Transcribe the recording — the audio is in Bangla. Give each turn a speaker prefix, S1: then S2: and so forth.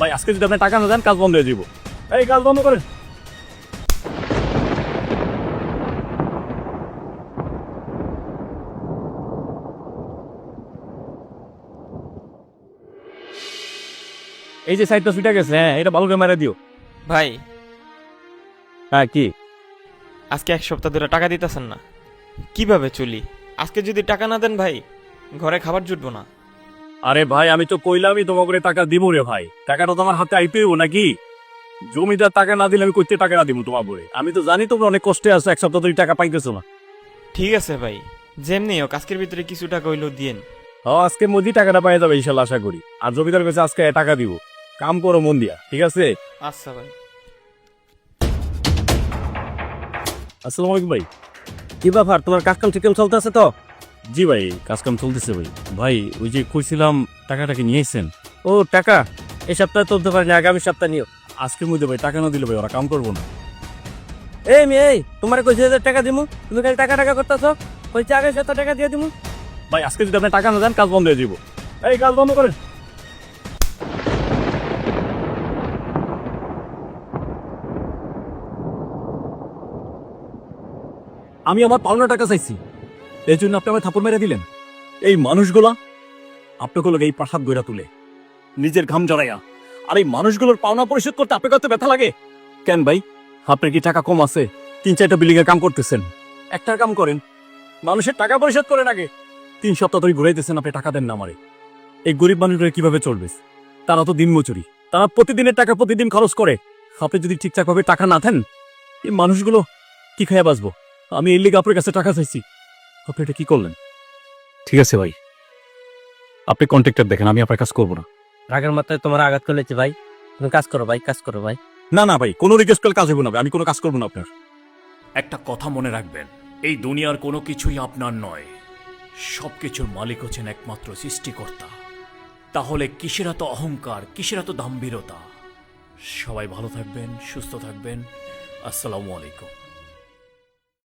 S1: ভাই আজকে যদি আপনি টাকা না দেন কাজ বন্ধ হয়ে যাব। এই কাজ বন্ধ করেন। এই যে সাইডটা ছুটে গেছে, হ্যাঁ এটা ভালো করে মেরে দিও।
S2: ভাই
S1: হ্যাঁ কি
S2: আজকে 1 সপ্তাহ ধরে টাকা দিতেছেন না, কিভাবে চলি? আজকে যদি টাকা না দেন ভাই, ঘরে খাবার জুটবো না।
S1: আরে ভাই আমি তো কইলামই তোমাকে টাকা দিব রে ভাই, টাকাটা তোমার হাতে আইতেইব নাকি? জমিদার টাকা না দিলে আমি কইতে টাকা না দিব তোমার বলে? আমি তো জানি তোমরা অনেক কষ্টে আছো, এক সপ্তাহ ধরে টাকা পাইতেছো না।
S2: ঠিক আছে ভাই, যেমনি হোক আজকের ভিতরে কিছু টাকা হইলেও দিয়েন।
S1: আজকে মধ্যে টাকাটা পাই যাবে ইনশাল্লাহ, আশা করি। আর জমিদার কাছে আজকে টাকা দিব, কাম করো মন দিয়া, ঠিক আছে?
S2: আচ্ছা ভাই।
S1: আসসালামু আলাইকুম ভাই।
S3: কি ব্যাপার, তোমার কাজকাম ঠিকঠাক চলতেছে তো?
S1: জি ভাই কাজ কাম চলতেছে ভাই। ভাই ওই যে কইছিলাম টাকাটাকে নিয়ে এসেছেন?
S3: ও টাকা এই সপ্তাহে তুলতে পারিনি, আগামী সপ্তাহে নিও।
S1: আজকের মধ্যে ভাই টাকা না দিলে ভাই ওরা কাম করবো না।
S3: এই মেয়ে, তোমার কইছে যে টাকা দিমু, তুমি খালি টাকা টাকা করতেছো। কইছে আগে সপ্তাহ টাকা দিয়ে দিমু।
S1: ভাই আজকে যদি আপনি টাকা না দেন কাজ বন্ধ হয়ে যাব। এই কাজ বন্ধ করেন। আমি আমার পাওনা টাকা চাইছি, এই জন্য আপনি আমার থাপড় মেরে দিলেন। এই মানুষগুলা আপনাকে এই প্রাসাদ গড়া তুলে নিজের ঘাম জড়াইয়া, আর এই মানুষগুলোর পাওনা পরিশোধ করতে আপনার কত ব্যথা লাগে কেন ভাই? আপনার কি টাকা কম আছে? 3-4টা বিল্ডিং এর কাম করতেছেন, একটার কাম করেন, মানুষের টাকা পরিশোধ করেন আগে। 3 সপ্তাহ ধরে ঘুরাইতেছেন, আপনি টাকা দেন না আমারে। এই গরিব মানুষরা কিভাবে চলবে? তারা তো দিন মজুরি, তারা প্রতিদিনের টাকা প্রতিদিন খরচ করে। আপনি যদি ঠিকঠাক ভাবে টাকা না দেন, এই মানুষগুলো কি খাইয়া বাঁচবো? আমি এই লিগে আপনার কাছে টাকা চাইছি, আপনি এটা কি করলেন? ঠিক আছে ভাই, আপনি কন্ট্রাক্টর দেখেন, আমি আপনার কাজ করবো না।
S3: রাগের মাথায় তোমার আঘাত করেছে ভাই, তুমি কাজ করো ভাই, কাজ করো ভাই।
S1: না না ভাই, কোনো রিকোয়েস্ট করলে কাজ হইব না ভাই, আমি কোনো কাজ করবো না আপনার। একটা কথা মনে রাখবেন, এই দুনিয়ার কোনো কিছুই আপনার নয়, সবকিছুর মালিক হচ্ছেন একমাত্র সৃষ্টিকর্তা। তাহলে কিসের এত অহংকার, কিসের এত দাম্ভীরতা? সবাই ভালো থাকবেন, সুস্থ থাকবেন। আসসালামু আলাইকুম।